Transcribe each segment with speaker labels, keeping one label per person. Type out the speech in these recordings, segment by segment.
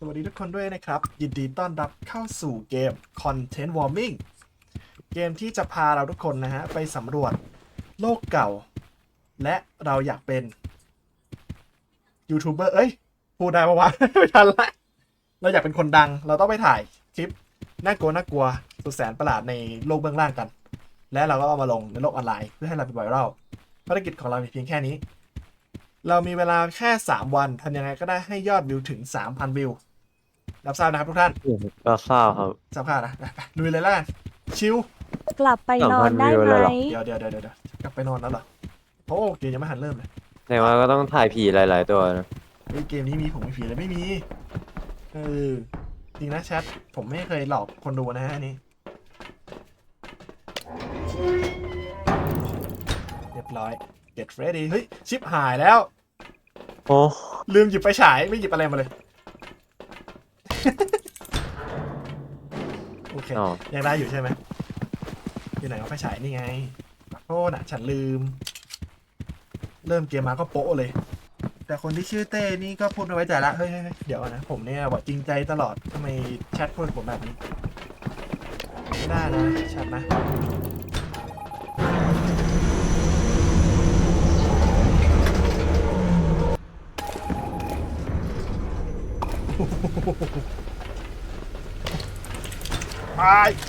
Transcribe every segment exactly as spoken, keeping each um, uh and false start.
Speaker 1: สวัสดีทุกคนด้วยนะครับยินดีต้อนรับเข้าสู่เกม Content Warming เกมที่จะพาเราทุกคนนะฮะไปสำรวจโลกเก่าและเราอยากเป็นยูทูบเบอร์เอ้ยพูดได้ปะวะ ไม่ทันละเราอยากเป็นคนดังเราต้องไปถ่ายคลิปน่ากลัวน่ากลัวสุดแสนประหลาดในโลกเบื้องล่างกันและเราก็เอามาลงในโลกออนไลน์เพื่อให้เราเป็นไวรัลภารกิจของเรามีเพียงแค่นี้เรามีเวลาแค่สามวันทำยังไงก็ได้ให้ยอดวิวถึง สามพัน วิวรับทราบนะครับทุกท่าน
Speaker 2: ก็ทราบครับ
Speaker 1: ทราบข่าวนะไปๆลุยเลยแล้วกันชิว
Speaker 3: กลับไปนอนได้
Speaker 2: สองพันวิว
Speaker 3: ไห
Speaker 2: เลยเหรอ
Speaker 3: ม
Speaker 1: เดี๋ยวเดี๋ยวเดี๋ยวเดี๋ยวกลับไปนอนแล้วเหรอโอ้เกมยังไม่หันเริ่มเลย
Speaker 2: แต่ว่าก็ต้องถ่ายผีหลายๆตัวนะ
Speaker 1: เฮ้ยเกมนี้มีผมมีผีเลยไม่มีเออจริงนะแชทผมไม่เคยหลอกคนดูนะฮะอันนี้เรียบร้อย get ready เฮ้ยชิปหายแล้ว
Speaker 2: โอ้
Speaker 1: ลืมหยิบไฟฉายไม่หยิบอะไรมาเลย โอเค
Speaker 2: อ๋อ
Speaker 1: ยังได้อยู่ใช่ไหมอยู่ไหนเอาไฟฉายนี่ไงโทษนะฉันลืม เริ่มเกมมาก็โป๊ะเลย แต่คนที่ชื่อเต้นี่ก็พูดไม่ไว้ใจละเฮ้ยเฮ้ยเฮ้ยเดี๋ยวนะผมเนี่ยบอกจริงใจตลอดทำไมแชทพูดกับผมแบบนี้ไม่ได้นะแชทนะ ไป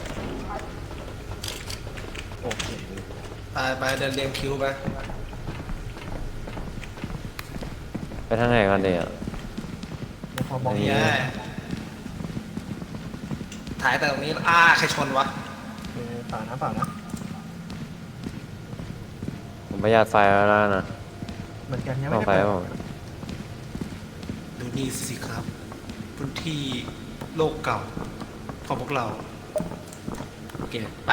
Speaker 1: โอเค
Speaker 4: ไปไปเดินเรียงคิวไป
Speaker 2: ไปทางไหนกันเนี่ย
Speaker 1: เดี๋ยวพอมอง
Speaker 2: นี่
Speaker 1: เห็น
Speaker 4: เนี่ยถ่ายแต่ตรงนี้อ้าใครชนวะ
Speaker 1: เออเปล่านะเปล่านะ
Speaker 2: ผมประหยัดไฟแล้วนะ
Speaker 1: เหมือนกันยัง
Speaker 2: ต้
Speaker 1: ไม่
Speaker 2: อง
Speaker 1: ได้
Speaker 2: ไฟ
Speaker 1: เปิด
Speaker 2: ผม
Speaker 4: ดูนี่สิครับพื้นที่โลกเก่าของพวกเราโอเคไป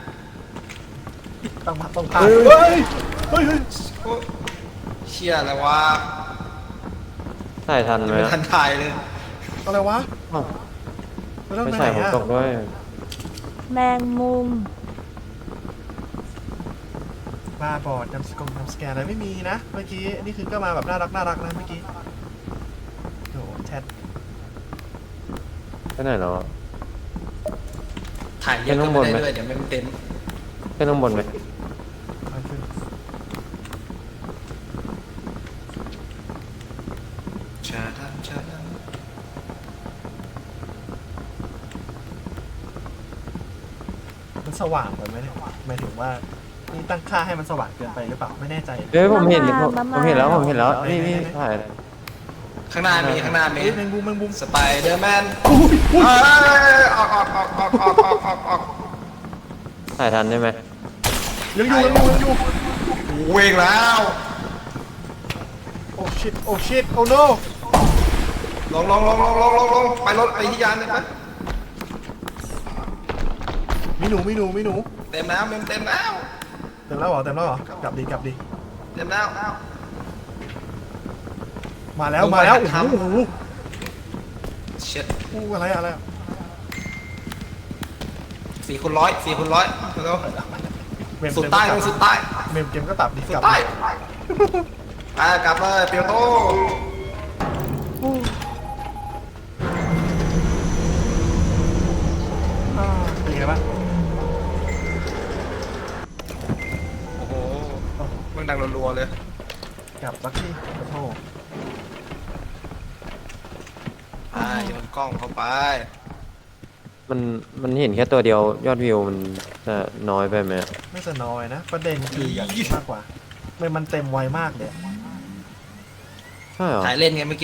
Speaker 1: ต้องมาต้องพาเฮ้ยเฮ้ยเฮ้ย
Speaker 4: โอ้เชี่ยอะไรวะ
Speaker 2: ถ่ายทัน
Speaker 4: ยัง
Speaker 2: ไหม
Speaker 4: ไม่
Speaker 2: อะ
Speaker 4: ทันถ่ายเลย
Speaker 1: อะไรวะ
Speaker 2: อ้าว
Speaker 1: ไม่ต้อง
Speaker 2: ไม่
Speaker 1: ไปไหน
Speaker 2: ใช่ผม
Speaker 1: อะ
Speaker 2: ตกด้วย
Speaker 3: แมงมุม
Speaker 1: บ้าบอดจำสกงจำสแกนอะไรไม่มีนะเมื่อกี้อันนี้คือก็มาแบบน่ารักน่ารักนะเมื่อกี้โอ้แชท
Speaker 2: ไปไหนแล้วอะ
Speaker 4: ถ่ายเยอะก็ไม่ได้ด้วยเดี๋ยวไม่เต็ม
Speaker 2: ขึ้นข้างบนไหม
Speaker 1: มาขึ้น
Speaker 4: ชาดันชาดัน
Speaker 1: มันสว่างไปไหมเนี่ยหมายถึงว่านี่ตั้งค่าให้มันสว่างเกินไปหรือเปล่าไม่แน่ใจ
Speaker 2: เอ้ยผมเห็น
Speaker 3: มา
Speaker 2: ผม
Speaker 3: มา
Speaker 2: ผมเห็นแล้วผมเห็นแล้ว
Speaker 1: มา
Speaker 2: นี่นี่
Speaker 1: มา
Speaker 2: ถ่าย
Speaker 4: ข้างหน้ามีข้างหน้ามี
Speaker 1: เอ้ยแมงมุมแมงมุม
Speaker 4: สไปเดอร์แมน
Speaker 1: อุ้ยอุ้ย
Speaker 4: เอ้ยออกออกออกออกออกออกออกออก
Speaker 2: ถ่ายทันได้ไหม
Speaker 1: ยังอยู่ยังอยู่ยังอยู่
Speaker 4: เวงแล้ว
Speaker 1: โอ้ชิตโอ้ชิตโอ้โน
Speaker 4: ลงลงลงลงลงลงลงไปรถไปที่ยานเลยไป
Speaker 1: มีหนูมีหนูมีหนู
Speaker 4: เต็มแล้วเต็มเต็มแล้ว
Speaker 1: เต็มแล้วเหรอเต็มแล้วเหรอกลับดีกลับดี
Speaker 4: เต็มแล้ว
Speaker 1: มาแล้ว
Speaker 4: ลงไป
Speaker 1: มาแล้ว
Speaker 4: หั
Speaker 1: โอ้
Speaker 4: ด
Speaker 1: โห
Speaker 4: ทำ
Speaker 1: โอ้โห
Speaker 4: เช็ด
Speaker 1: อู้อะไรอะไรอะ
Speaker 4: สี่คูณร้อยสี่คูณร้อยเร็ว
Speaker 1: เมม
Speaker 4: สุด
Speaker 1: เกม
Speaker 4: ใต้
Speaker 1: ก็
Speaker 4: ล
Speaker 1: ตั
Speaker 4: ง
Speaker 1: บ
Speaker 4: สุดใต้
Speaker 1: เมมเกมก็ตับดิ
Speaker 4: สุ
Speaker 1: ก
Speaker 4: ด
Speaker 1: ลับ
Speaker 4: ใต้
Speaker 1: ดิ
Speaker 4: อ่ากลับเลยเปียวโต
Speaker 1: อู้อ่าเป็นไงบ้าง
Speaker 4: โอ้โหมันดังรัวๆเลย
Speaker 1: กลับสักทีขอโทษ
Speaker 4: อ่าโยนกล้องเข้าไป
Speaker 2: มันมันเห็นแค่ตัวเดียวยอดวิวมันจะน้อยไปไหมอะ
Speaker 1: ไม่จะน้อยนะ ประเด็นคืออย่างนี้มากกว่าเมมมันเต็มไวมากเลย
Speaker 2: ใช่เหรอ
Speaker 4: ถ่ายเล่นไงเมื่อกี้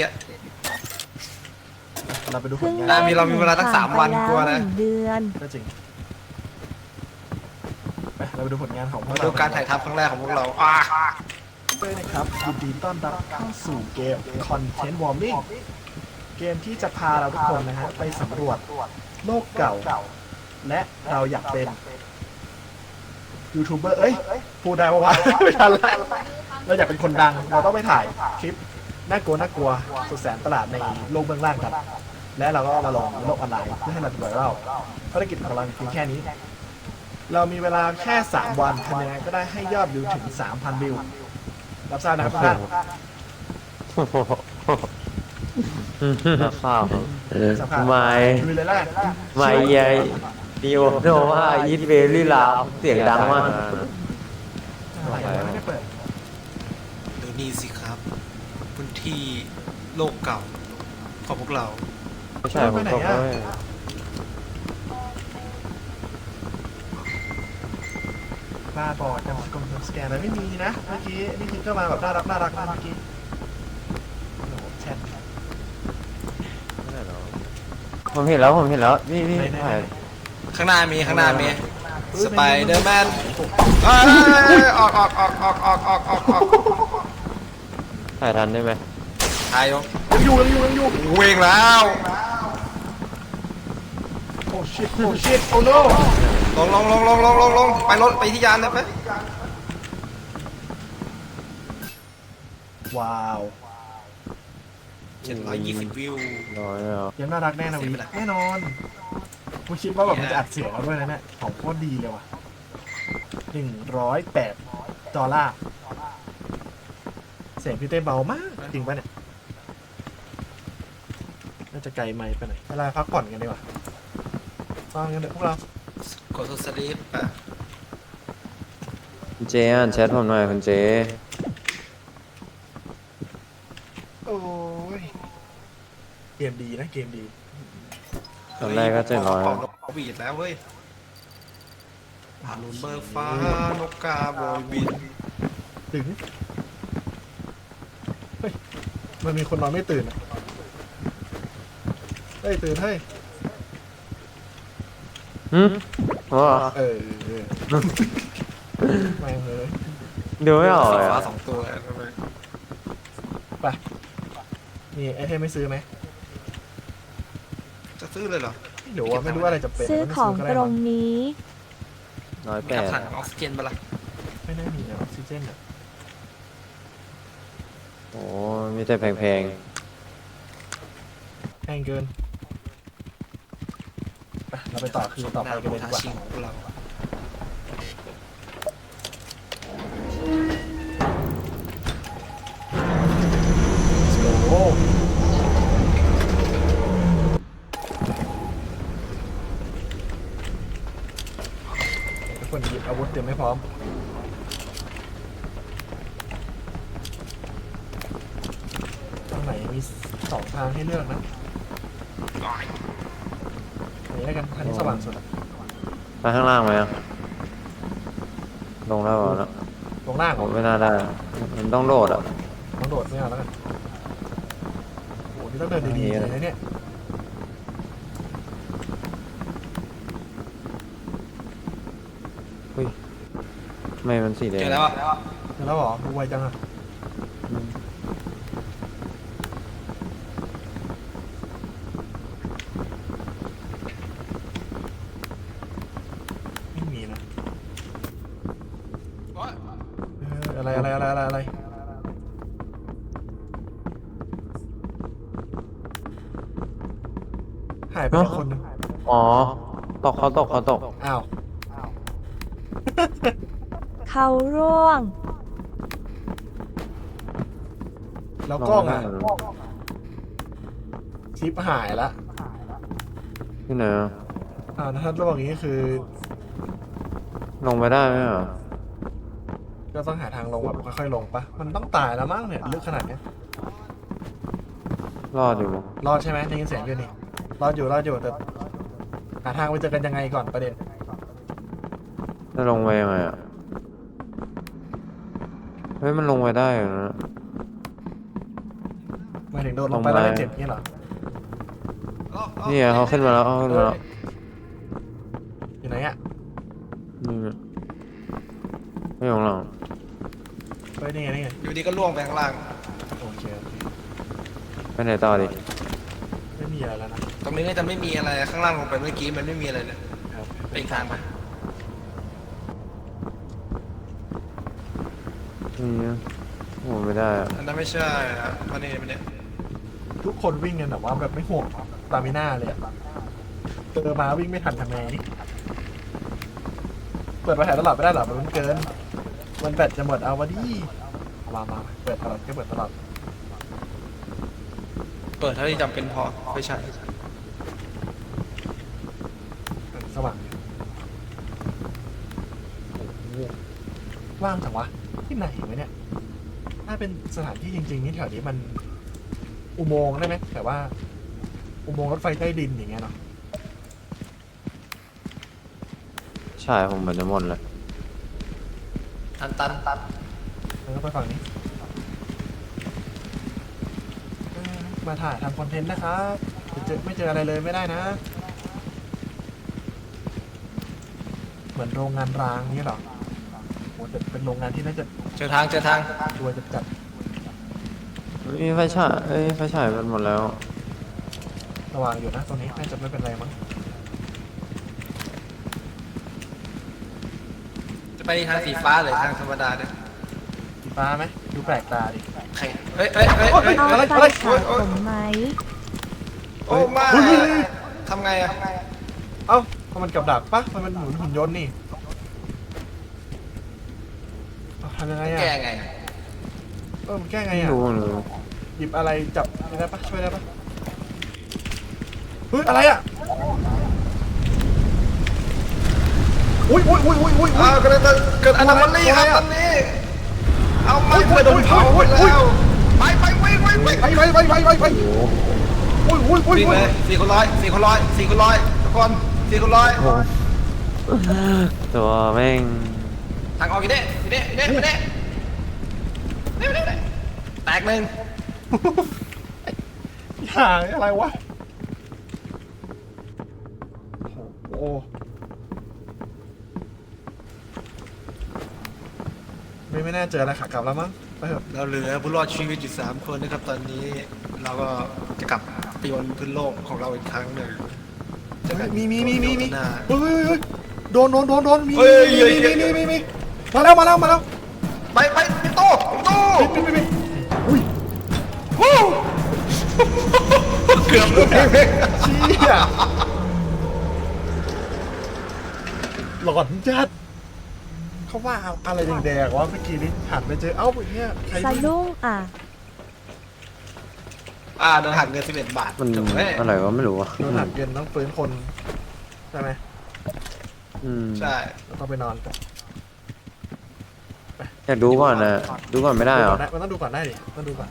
Speaker 1: เราไปดูผ
Speaker 3: เพิ่
Speaker 1: ล
Speaker 3: ง
Speaker 1: งาน
Speaker 4: ได้มีเรามีเวลาตั้งสามวันกลัวนะ
Speaker 3: ผ่ไปแหงเดือน
Speaker 1: ก็จริงไปเราไปดูผลงานของพวก
Speaker 4: มา
Speaker 1: เรา
Speaker 4: ดูการถ่ายทำครั้งแรกของพวกเราอ่า
Speaker 1: ด้วยนะครับยินดีต้อนรับเข้าสู่เกม Content Warming เกมที่จะพาเราทุกคนนะฮะไปสำรวจโลกเก่า และเราอยากเป็นยูทูบเบอร์เอ้ยพูดได้ปะวะ ไม่ทันละเราอยากเป็นคนดังเราต้องไปถ่ายคลิปน่ากลัวน่ากลัวสุดแสนประหลาดในโลกเบื้องล่างกัน และเราก็เอามาลงในโลกออนไลน์เพื่อให้เราเป็นไวรัลภารกิจของเราเพียงแค่นี้ เรามีเวลาแค่สามวันทำยังไงก็ได้ให้ยอดวิวถึง สามพัน วิวรับทราบนะครับทุกท่าน
Speaker 2: โอ้โหนักข่าว
Speaker 1: สัมภาษณ์
Speaker 2: ไม่
Speaker 1: ดูเลยแหละ
Speaker 2: ไม่ยายดิโอโนว่าอีทเวลี่ลาวเสียงดังมาก
Speaker 1: อะไรวะไม่ได้เปิด
Speaker 4: ดูนี่สิครับพื้นที่โลกเก่าของพวกเรา
Speaker 2: ไม่ใช่ผมตกด้วย
Speaker 1: บ้าบอจังหวะกลมสแกนอะไรไม่มีนะเมื่อกี้นี่คือก็มาแบบน่ารักน่ารักนะเมื่อกี้โอ้โหแชท
Speaker 2: ผมเห็นแล้วผมเห็นแล้วนี่นี่
Speaker 1: ไหนๆ
Speaker 2: ถ่าย
Speaker 4: ข้างหน้ามีข้างหน้ามีสไปเดอร์แมนเอ้ยออกออกออกออกออกออกออกออก
Speaker 2: ถ่ายทันได้ไหม
Speaker 4: ถ่ายยก
Speaker 1: ยังอยู่ยังอยู่ยังอยู่
Speaker 4: เวงแล้ว
Speaker 1: โอ้ชิตโอ้ชิตโอ้โน
Speaker 4: ลงลงลงลงลงลงลงไปรถไปที่ยานเลยไหม
Speaker 1: ว้าว
Speaker 4: เจ็ดร้อยยี่สิบวิว
Speaker 2: น้อยแล้ว
Speaker 1: ยังน่ารักแน่นะ
Speaker 4: เสี
Speaker 1: วิ
Speaker 4: ยไปละ
Speaker 1: แน่นอนกูคิดว่าแบบมันจะอัดเสียงเราด้วยนะเนี่ยของโคตรดีเลยว่ะหนึ่งร้อยแปดดอลลาร์เสียงพี่เต้เบามากจริงปะเนี่ยน่าจะไกลไมค์ไปหน่อยเวลาพักผ่อนกันดีกว่าฟังกันเถอะพวกเรา
Speaker 4: กดสลิปอ่ะ
Speaker 2: คุณเจอ่านแชทผมหน่อยคุณเจ
Speaker 1: โอ้ยเกมดีนะเกมดี
Speaker 2: ตอนแรกก็เจ็ดร้อย
Speaker 4: ออกนกบีดแล้วเว้ยอารุณเบอร์ฟ้านกกาโบยบิน
Speaker 1: ถึงเฮ้ยมันมีคนนอนไม่ตื่นอะเฮ้ยตื่นเฮ้ย
Speaker 2: หืมว่า
Speaker 1: เออเออไม่งเลย
Speaker 2: ดูไม่ออกเลย
Speaker 4: ฟ้า
Speaker 2: อะ
Speaker 4: สองตัวทำไม
Speaker 1: ไปนี่ไอเทมไม่ซื้อไหม
Speaker 4: จะซื้อเลยเหรอ
Speaker 1: ไม่รู้ว่าไม่รู้ว่าอะไรจะเป็น
Speaker 3: ซื้อของตรงนี้
Speaker 2: น้อย
Speaker 4: มี
Speaker 2: แป
Speaker 4: กระ
Speaker 2: ด
Speaker 4: ถังออกซิเจนปะล่ะ
Speaker 1: ไม่น่ามีนะออกซิเจนอ่ะ
Speaker 2: โอ้มีแต่แพง
Speaker 1: แพงเกินไปเราไปต่อคือต่อไปกันเลยดีกว่า
Speaker 4: ชิงของเรา
Speaker 1: โอ้ทุกคนหยิบอาวุธเตรียมให้พร้อมทางไหนมีสองทางให้เลือกนะอันนี้แล้วกันทางนี้สว่างสุดอะ
Speaker 2: ๆไปข้างล่างไหมอะลงแล้วเหรอนะ
Speaker 1: ลงล่างเห
Speaker 2: ผ
Speaker 1: รอ
Speaker 2: มไม่น่าได้ มันต้องโดดอ่ะ
Speaker 1: ต้องโดดไม่เอาแล้วกันโอ้โหนี่ต้องเดินดีๆเลยนะเนี่ย
Speaker 2: อุ้ยไม่มันสีแดง
Speaker 4: เจอแล้วอ่ะ
Speaker 1: เจอแล้วเหรอดูไวจังอะไม่มีนะเอออะไรอะไรอะไรอะไรอะไรหายไปแล้วคนหนึง
Speaker 2: อ๋อ ตกเขาตกเขาตก
Speaker 1: อ้าว
Speaker 3: เขาร่วง
Speaker 1: แล้วกล้องอ่ะคลิปหายละ
Speaker 2: ที่ไหนอะ
Speaker 1: อ่าถ้าระหว่างนี้คือ
Speaker 2: ลงไปได้ไหมอ่ะ
Speaker 1: ก็ต้องหาทางลงแบบค่อยๆลงปะมันต้องตายแล้วมั้งเนี่ยลึกขนาดเนี้ย
Speaker 2: รอดอยู่มั้ง
Speaker 1: รอดใช่ไหมได้ยินเสียงอยู่นี่รอดอยู่รอดอยู่แต่หาทางไปเจอกันยังไงก่อนประเด็น
Speaker 2: จะลงไปยังไงอ่ะ เฮ้ย มันลงไปได้อยู่นะ
Speaker 1: หมายถึงโดนลงไปแล้วไม่เจ็บนี่เหรอ
Speaker 2: นี่ไงเขาขึ้นมาแล้วเขาขึ้นมาแล้ว
Speaker 1: อยู่ไหนอ่ะ
Speaker 2: นี่ไงไม่ของเรา
Speaker 1: เฮ้ยนี่ไงนี่ไง
Speaker 4: อยู่ดีก็ล่วงไปข้างล่าง
Speaker 1: โอเคโอเค
Speaker 2: ไปไหนต่อดิ
Speaker 1: ไม่มีอะไรแล้วนะ
Speaker 4: ตรงนี้น่าจะไม่มีอะไรข้างล่างลงไปเมื่อกี้มันไม่มีอะไรเลย
Speaker 1: ครับ
Speaker 4: ไปอีกทางไป
Speaker 2: นี่นะโอ้ไม่ได้อะ
Speaker 4: อันนั้นไม่ใช่อะมันนี่มันเนี่ย
Speaker 1: ทุกคนวิ่งกันแบบว่าแบบไม่ห่วงตามิน่าเลยอะเจอมาวิ่งไม่ทันทำไงเปิดมาถ่ายตลอดไม่ได้หรอมันเกินมันแบตจะหมดเอาวะดิมามาเปิดตลอดก็เปิดตลอด
Speaker 4: เปิดเท่าที่จำเป็นพอไม่ใช่
Speaker 1: สว่างอยู่โอ้โหว่างจังวะที่ไหนวะเนี่ยถ้าเป็นสถานที่จริงๆนี่แถวนี้มันอุโมงค์ได้ไหมแต่ว่า อุโมงค์รถไฟใต้ดินอย่างเงี้ยเนาะ
Speaker 2: ใช่ผมเหมือนจะหมดเลย
Speaker 4: ตันตันตัน
Speaker 1: แล้วก็ไปฝั่งนี้เออมาถ่ายทำคอนเทนต์นะครับไม่เจอไม่เจออะไรเลยไม่ได้นะ เหมือนโรงงานร้างนี่หรอโหแต่เป็นโรงงานที่น่าจะ
Speaker 4: เจอทางเจอทาง
Speaker 1: ชัวร์จะจัด
Speaker 2: มีไฟฉายเอ้ยไฟฉายมันหมดแล้ว
Speaker 1: ระวังอยู่นะตรงนี้น่าจะไม่เป็นไรมั้ง
Speaker 4: จะไปทางสีฟ้าหรือทางธรรมดาเนี่ย
Speaker 1: สีฟ้าไหมดูแปลกตาดิ
Speaker 4: ใครเฮ้ยเฮ้ยเฮ้ยเฮ้ย
Speaker 3: เอา
Speaker 4: อะไร
Speaker 3: ไป
Speaker 4: อะไร
Speaker 3: สระผมไหม
Speaker 4: โอ้ไม่
Speaker 1: เฮ้ยเฮ้ยเฮ้ย
Speaker 4: ทำไงอะ
Speaker 1: เอ้ามันกับดักปะมันหมุนหุ่นยนต์นี่เอาทำยังไงอ่ะ
Speaker 4: แก้ไงอะ
Speaker 1: เออมันแก้ไง
Speaker 2: ไม่
Speaker 1: อ่ะ
Speaker 2: รู้เลย
Speaker 1: หยิบอะไรจับได้ปะช่วยได้ปะเฮ้ยอะไรอ่ะอุ้ยอุ้ยอุ้ยอุ้ยอุ้ย
Speaker 4: อ้าวเกิดเกิดเกิดอนามัลี่ครับตอนนี้เอาไม่เพื่อโดนเผาหมดแล้วไปไปวิ่งวิ่งวิ่ง
Speaker 1: ไปไปไปไปไปไปอุ้ยอุ้ยอุ้ย
Speaker 4: วิ่ง
Speaker 1: อุ้
Speaker 4: เลย ยสี่คนร้อยสี่คนร้อยสี่คนร้อยทุกคนสี่คนร้อย
Speaker 2: ตัวแม่ง
Speaker 4: ทางออกกี่เด้กี่เด้กี่เด้กี่เด้นี่นี่นี่แตกหนึ่ง
Speaker 1: หาอะไรวะโอ้โหไม่ไม่น่าเจออะไรขากลับแล้วมั้งไปเถอะ
Speaker 4: เราเหลือผู้รอดชีวิตอยู่สามคนนะครับตอนนี้เราก็จะกลับไปบนพื้นโลกของเราอีกครั้งหนึ่งเจอกัน
Speaker 1: มีมีมีมีมี
Speaker 4: หน้า
Speaker 1: เฮ้ยเฮ้ยเฮ้ยโดนโดนโดนโดนมี
Speaker 4: เฮ้ย
Speaker 1: มี
Speaker 4: เฮ้ย
Speaker 1: มี
Speaker 4: เฮ้ย
Speaker 1: มีมีมีมาแล้วมาแล้วมาแล้ว
Speaker 4: ไปไปพี่โต้พี่โต้
Speaker 1: ปิดปิดปิดอุ้ย
Speaker 4: วู้เกือบเลย
Speaker 1: เชี่ยหลอนจัดเขาว่าอะไรแดงๆวะเมื่อกี้นี้หันไปเจอเอ้าอย่างเงี้ยใคร
Speaker 3: สะดุ้งอ่ะ
Speaker 4: อ่าโดนหักเงินสิบเอ็ดบาท
Speaker 2: มัน
Speaker 4: จบเลย
Speaker 2: อะไรก็ไม่รู้อ่ะ
Speaker 1: โดนหันเกินต้องฟื้นคนใช่ไหม
Speaker 2: อืม
Speaker 4: ใช่
Speaker 1: แล้วต้องไปนอนก่อน
Speaker 2: อยากดูก่อนนะดูก่อนไม่ได้เหรอ
Speaker 1: มันต้องดูก่อนได้ดิต้องดูก่อน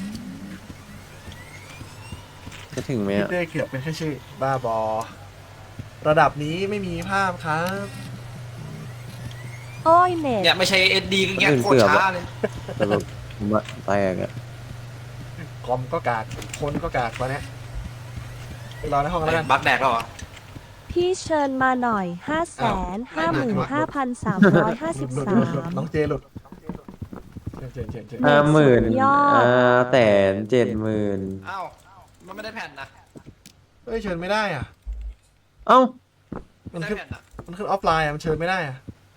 Speaker 2: จะถึงไหม
Speaker 1: พี่
Speaker 2: อ่ะ
Speaker 1: เต้เกือบเป็นแค่ชื่อบ้าบอ ระดับนี้ไม่มีภาพครับ
Speaker 3: โอ้ยเน็ต
Speaker 4: เนี่ยไม่ใช่เอสดีก็เงี้ยโคตรช้าเลย
Speaker 2: แต่แบบผมอะแตกอ่ะ
Speaker 1: คอมก็กากคนก็กากตอนเนี้ยไปรอในห้องแล้วกัน
Speaker 4: บักแดกแล้วเหรอ
Speaker 3: พี่เชิญมาหน่อยห้าแสนห้าหมื่นห้าพันสามร้อยห้าสิบ
Speaker 1: หลุด
Speaker 3: สา
Speaker 1: หลุดหลุด
Speaker 3: ม
Speaker 1: น้องเจหลุดเจนเจนเจน
Speaker 2: ห้าหมื่น
Speaker 3: สุดยอด
Speaker 2: อ่าแสนเจ็ดหมื่น
Speaker 4: อ้าวมันไม่ได้แผ่นนะ
Speaker 1: เฮ้ยเชิญไม่ได้อ่ะ
Speaker 2: เอ้า
Speaker 4: ไม่
Speaker 1: มัน
Speaker 4: ได้
Speaker 1: ขึ้น
Speaker 4: แผ่นนะ
Speaker 1: มันขึ้นออฟไลน์อ่ะมันเชิญไม่ได้อ่ะ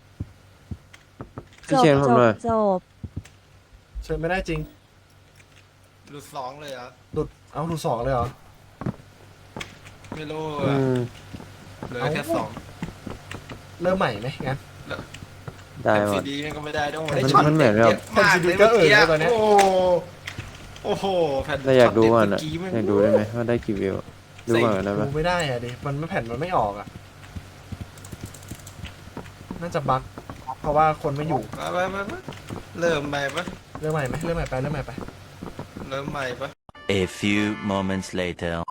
Speaker 2: พี่
Speaker 3: จบ
Speaker 2: เชนผม
Speaker 3: จบ
Speaker 2: เลย
Speaker 3: จบ
Speaker 1: เชิญไม่ได้จริง
Speaker 4: หลุดสองเลยเหรอ
Speaker 1: หลุดเอาหลุดสองเลยเหรอ
Speaker 4: ไม่รู้
Speaker 2: อื
Speaker 4: อะ
Speaker 2: ม
Speaker 4: เหลือแค่สอง
Speaker 1: เริ่มใหม่ไหมงั้น
Speaker 2: ได้
Speaker 4: แผ่น
Speaker 2: หม
Speaker 4: ซี
Speaker 2: ด
Speaker 4: ดีมันก็ไม่ได้ด้วย
Speaker 2: มันมันเหมือนแบบ
Speaker 1: แผ่นซีดีก็เอ่ยเลยตอนเนี้ย
Speaker 4: โอ้โหโอ้โหแผ่น
Speaker 2: แต่อยากดูก่อน
Speaker 4: เมื่
Speaker 2: อ่ะ
Speaker 4: กี้มัน
Speaker 2: อยากดูได้ไหมว่าได้กี่วิวดูก่อนได้ไหม
Speaker 1: ดูไม่ได้อ่ะดิมันไม่แผ่นมันไม่ออกอ่ะน่าจะบั๊กเพราะว่าคนไม่อยู่
Speaker 4: ไปไปไปไปเริ่มใหม่ปะ
Speaker 1: เริ่มใหม่ไหมเริ่มใหม่ไปเริ่มใหม่ไป
Speaker 4: เริ่มใหม่ปะ
Speaker 5: A few moments later.